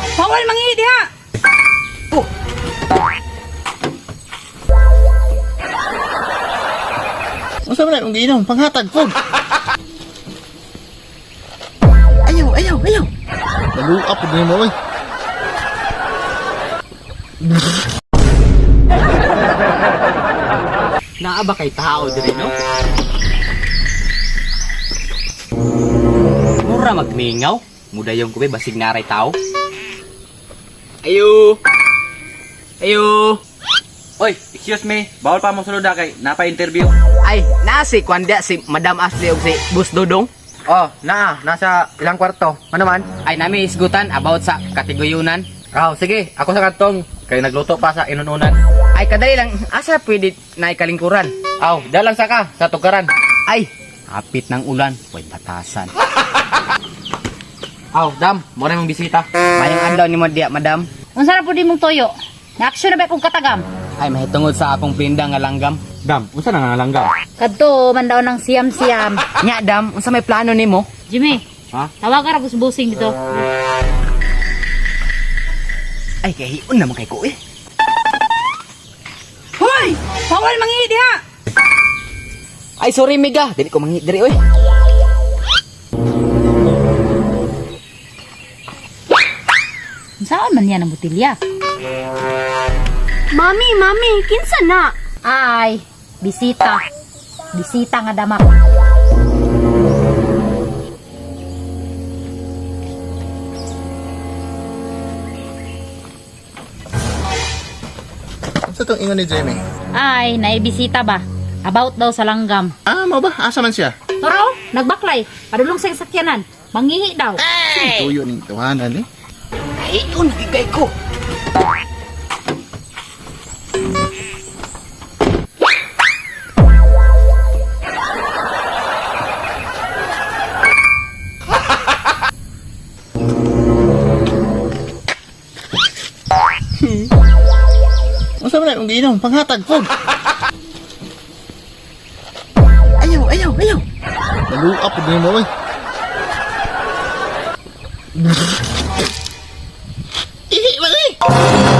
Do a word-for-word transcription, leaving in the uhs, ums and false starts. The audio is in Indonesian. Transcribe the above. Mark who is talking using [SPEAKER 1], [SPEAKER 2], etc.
[SPEAKER 1] Bawal mangihi diha.
[SPEAKER 2] Oh.
[SPEAKER 3] Unsa man ang giinom panghatag pod.
[SPEAKER 2] Ayaw, ayaw, ayaw.
[SPEAKER 3] Naluap pod nimo oy.
[SPEAKER 2] Naa ba kay tao diri no? Mura magmingaw, mudayong ko ba basig naray tao. Ayo. Ayo.
[SPEAKER 4] Oy, excuse me. Bawal pa mo sulod na kay napa-interview.
[SPEAKER 2] Ay, naa si Kwanda si Madam Ashley ug si Boss Dodong.
[SPEAKER 4] Oh, naa. Nasa ilang kwarto. Ano man?
[SPEAKER 2] Ay nami isgutan about sa katiguyunan.
[SPEAKER 4] Oh, sige. Ako sa kantong. Kay nagluto pa sa inununan.
[SPEAKER 2] Ay kadali lang asa pwede na ikalingkuran.
[SPEAKER 4] Aw, dalang sa ka sa tukaran.
[SPEAKER 2] Ay, hapit ng ulan, way batasan.
[SPEAKER 4] Aw, dam. Mo na mong bisita.
[SPEAKER 2] Mayang adlaw ni mo diya, Madam.
[SPEAKER 1] Unsa na pud imong toyo? Na-action na ba kung katagam?
[SPEAKER 2] Ay mahitungod sa akong pinda nga langgam.
[SPEAKER 4] Dam, unsa na nga langgam?
[SPEAKER 1] Kadto man daw ng siyam-siyam.
[SPEAKER 2] Nya, Dam, unsa may plano nimo?
[SPEAKER 1] Jimmy,
[SPEAKER 4] Ha?
[SPEAKER 1] tawagan ra busing dito.
[SPEAKER 2] Ay kahiun naman kay ko eh.
[SPEAKER 1] Hoy! Bawal mangihi diha.
[SPEAKER 2] Ay sorry Mega, dili ko mangi diri oy.
[SPEAKER 1] Saan man yan ang botilya?
[SPEAKER 5] Mami, mami, kinsa na?
[SPEAKER 1] Ay, bisita. Bisita nga damak.
[SPEAKER 3] Unsa tong ingon ni Jamie?
[SPEAKER 1] Ay, naibisita ba? About daw sa langgam.
[SPEAKER 3] Ah, mao ba? Asa man siya?
[SPEAKER 1] Toro, nagbaklay. Padulong sa sakyanan. Mangihi daw.
[SPEAKER 3] Tuyo ning tawanan eh.
[SPEAKER 2] Kahiun gigay ko.
[SPEAKER 3] Unsa man ang giinom panghatag pod.
[SPEAKER 2] Ayaw, ayaw, ayaw.
[SPEAKER 3] Naluap pod nimo oy. Ihi man eh.